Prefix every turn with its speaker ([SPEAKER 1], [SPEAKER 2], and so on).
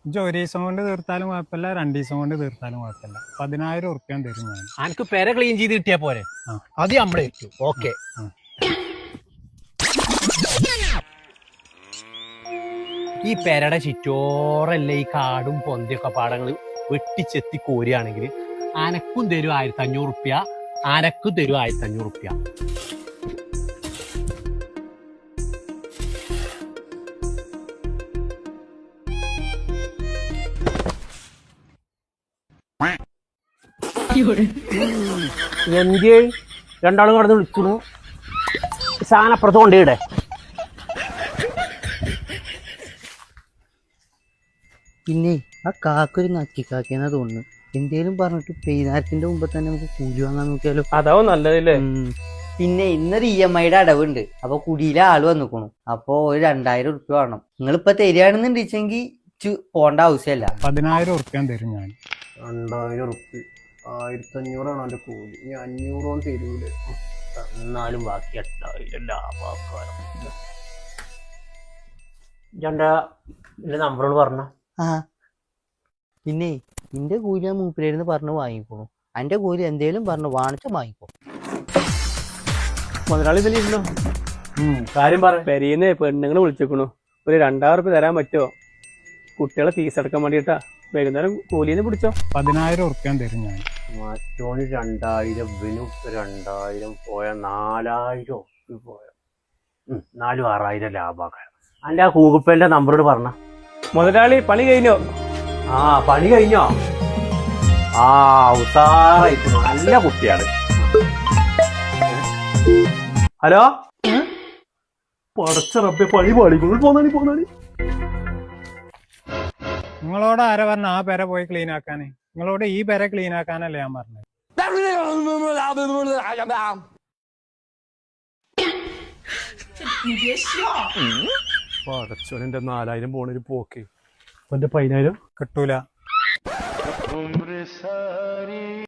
[SPEAKER 1] ഇജ്ജ് ഒരു ദിവസം കൊണ്ട് തീർത്താലും കുഴപ്പമില്ല, 2 ദിവസം കൊണ്ട് തീർത്താലും കുഴപ്പമില്ല. 10,000 ഉറുപ്പ്യ തരും ഞാൻ.
[SPEAKER 2] അനക്ക് പെര ക്ലീൻ ചെയ്ത് കിട്ടിയാ പോരെ?
[SPEAKER 1] ആ.
[SPEAKER 2] അത് നമ്മളെ ഓക്കെ.
[SPEAKER 1] ആ.
[SPEAKER 2] ഈ പെരയുടെ ചുറ്റോറല്ലേ ഈ കാടും പൊന്തിയൊക്കെ പാടങ്ങൾ വെട്ടിച്ചെത്തി കോരുകയാണെങ്കിൽ അനക്കും തരും 1,500 ഉറുപ്പ്യ, അനക്കും തരും 1,500 ഉറുപ്പ്യ. എന്ത് രണ്ടാളും കടന്ന് വിളിച്ചു സാധനം അപ്പുറത്ത് കൊണ്ടുപോയിടെ.
[SPEAKER 3] പിന്നെ ആ കാക്കൊരു നക്കിക്കാക്കിയെന്നാ തോന്നുന്നു. എന്തേലും പറഞ്ഞിട്ട് പെയ്താരത്തിന്റെ മുമ്പ് തന്നെ നമുക്ക് കൂലി വാങ്ങാൻ നോക്കിയാലോ?
[SPEAKER 4] അതാവും നല്ലതല്ലേ.
[SPEAKER 3] പിന്നെ ഇന്നൊരു EMI അടവുണ്ട്. അപ്പൊ കുടിയിലെ ആള് വന്നിക്കണു. അപ്പൊ ഒരു 2,000 ഉറുപ്പ്യ വേണം. നിങ്ങളിപ്പൊ തരികയാണെന്നുണ്ടെച്ചെങ്കിൽ പോണ്ട ആവശ്യമല്ല.
[SPEAKER 1] 10,000 ഉറുപ്പ്യ തരും ഞാൻ.
[SPEAKER 4] 2,000 ഉറുപ്പ്യ 1,500 ആണ് അവന്റെ കൂലി. ഇനി 500 തരൂലേ?
[SPEAKER 2] എന്നാലും ബാക്കി 8,000 ലാഭക്കാരം. എന്റെ നമ്പറോട് പറഞ്ഞ
[SPEAKER 3] ആ പിന്നെ നിന്റെ കൂലി ഞാൻ മൂപ്പിലായിരുന്നു പറഞ്ഞ് വാങ്ങിക്കണു. എന്റെ കൂലി എന്തേലും പറഞ്ഞു വാണിച്ച വാങ്ങിക്കോ.
[SPEAKER 4] മുതലാളി ഇതിൽ ഇരുന്നോ?
[SPEAKER 2] കാര്യം പറ.
[SPEAKER 4] പെരീന്ന് പെണ്ണുങ്ങൾ വിളിച്ചേക്കണു. ഒരു 2,000 ഉറുപ്പ്യ തരാൻ പറ്റുമോ? കുട്ടികളെ ഫീസ് അടക്കാൻ വേണ്ടിട്ടാ. വൈകുന്നേരം കൂലീന്ന് പിടിച്ചോ.
[SPEAKER 1] 10,000 ഉറുപ്പ്യ തരും ഞാൻ.
[SPEAKER 2] മറ്റോന് 2,000, ഇവനും 2,000 പോയ 4,000 പോയ 4,000 6,000 ലാഭക്കാരം. എന്റെ ആ ഗൂഗിൾ പേന്റെ നമ്പറോട് പറഞ്ഞ.
[SPEAKER 4] മുതലാളി പണി കഴിഞ്ഞോ?
[SPEAKER 2] ആ പണി കഴിഞ്ഞോ? ആ ഉസാറായിരിക്കുന്നു, നല്ല കുട്ടിയാണ്. ഹലോ, പടച്ച റബ്ബേ പണി പാടിക്കുന്നു. പോന്നാണി.
[SPEAKER 1] നിങ്ങളോട് ആരാ പറഞ്ഞ ആ പെര പോയി ക്ലീൻ ആക്കാന്? നിങ്ങളോട് ഈ പെര ക്ലീൻ ആക്കാനല്ലേ ഞാൻ പറഞ്ഞത്.
[SPEAKER 4] പടച്ചോനെ 4,000 പോണൊരു പോക്ക്. എന്റെ 10,000
[SPEAKER 1] കിട്ടൂല.